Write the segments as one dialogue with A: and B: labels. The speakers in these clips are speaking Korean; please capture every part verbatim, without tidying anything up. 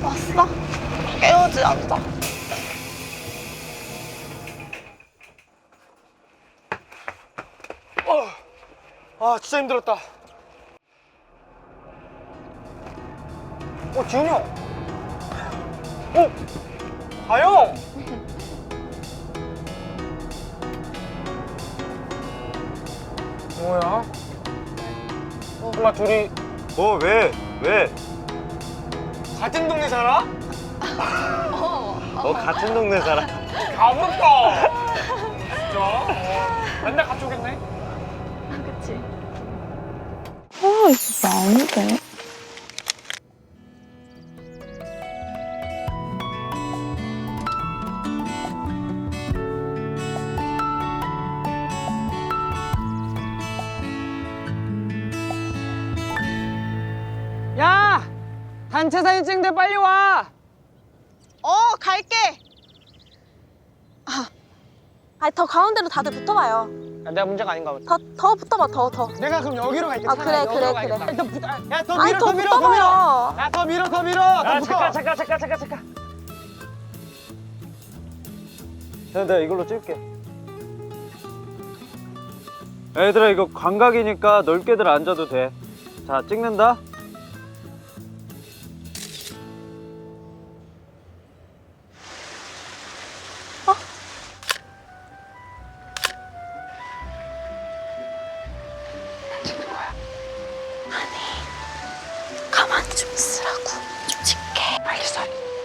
A: 왔어? 깨우지 않자.
B: 어, 아 진짜 힘들었다. 어 지훈이 형. 어 가영. 뭐야? 엄마 둘이
C: 뭐 왜? 왜?
B: 같은 동네 살아?
C: 너 같은 동네 살아?
B: 가볍다. 진짜? 어, 맨날 같이 오겠네.
A: 그치? 아, 이거 아닌데.
B: 야! 단체 사진 찍는데 빨리 와!
A: 어, 갈게. 아, 아니, 더 가운데로 다들 붙어봐요.
B: 야, 내가 문제가 아닌가 보다.
A: 더, 더 붙어봐, 더, 더.
B: 내가 그럼 여기로 갈게.
A: 아,
B: 차라리
A: 그래,
B: 여기로
A: 그래,
B: 가야겠다.
A: 그래.
B: 일단 붙어. 야, 더
A: 아니,
B: 밀어,
A: 더
B: 더 밀어, 더 밀어.
A: 붙어봐요.
B: 야, 더 밀어, 더 밀어. 더
C: 야,
B: 붙어.
C: 잠깐, 잠깐, 잠깐, 잠깐, 잠깐. 야, 내가 이걸로 찍을게. 얘들아, 이거 광각이니까 넓게들 앉아도 돼. 자, 찍는다.
A: 가만히 좀 있으라고. 좀 찍게. 알겠어.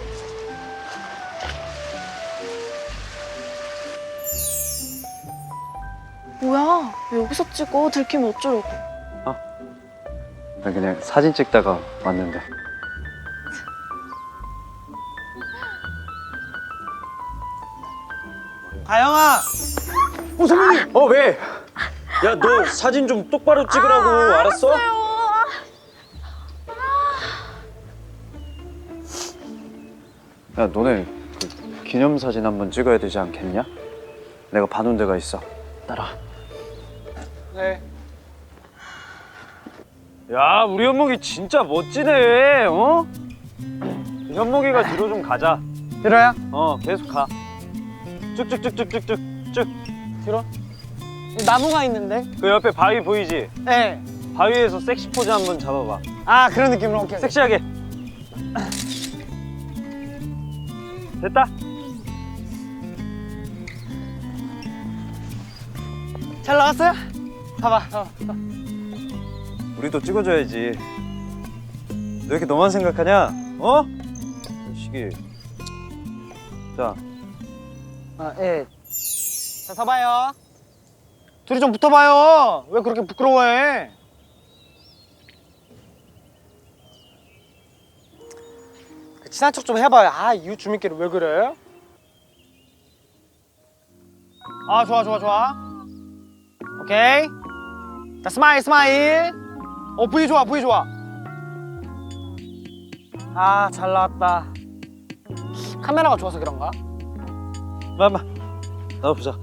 A: 뭐야? 왜 여기서 찍어? 들키면 어쩌려고?
C: 그냥 사진 찍다가 왔는데.
B: 가영아! 어, 선배님!
C: 어, 왜? 야, 너 사진 좀 똑바로 찍으라고,
A: 아,
C: 알았어?
A: 알았어요.
C: 야, 너네 그 기념사진 한번 찍어야 되지 않겠냐? 내가 봐놓은 데가 있어. 따라와.
B: 네.
C: 야, 우리 현목이 진짜 멋지네, 어? 현목이가 뒤로 좀 가자.
B: 들어야?
C: 어, 계속 가. 쭉쭉쭉쭉쭉쭉 쭉.
B: 들어? 나무가 있는데?
C: 그 옆에 바위 보이지?
B: 네.
C: 바위에서 섹시 포즈 한번 잡아봐.
B: 아, 그런 느낌으로 오케이.
C: 섹시하게. 됐다.
B: 잘 나왔어요? 봐봐. 어, 어.
C: 우리도 찍어줘야지. 너 이렇게 너만 생각하냐? 어? 시기. 자,
B: 아, 예. 자, 서봐요. 둘이 좀 붙어봐요. 왜 그렇게 부끄러워해? 그 친한 척 좀 해봐요. 아, 이웃 주민끼리 왜 그래? 아, 좋아, 좋아, 좋아. 오케이. 자, 스마일, 스마일. 어, V 좋아, V 좋아. 아, 잘 나왔다. 카메라가 좋아서 그런가?
C: 마마. 나도 보자.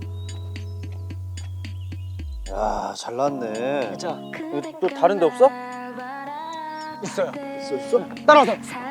C: 야, 잘 나왔네.
B: 진짜
C: 또 다른 데 없어?
B: 있어요.
C: 있어, 있어?
B: 따라오세요.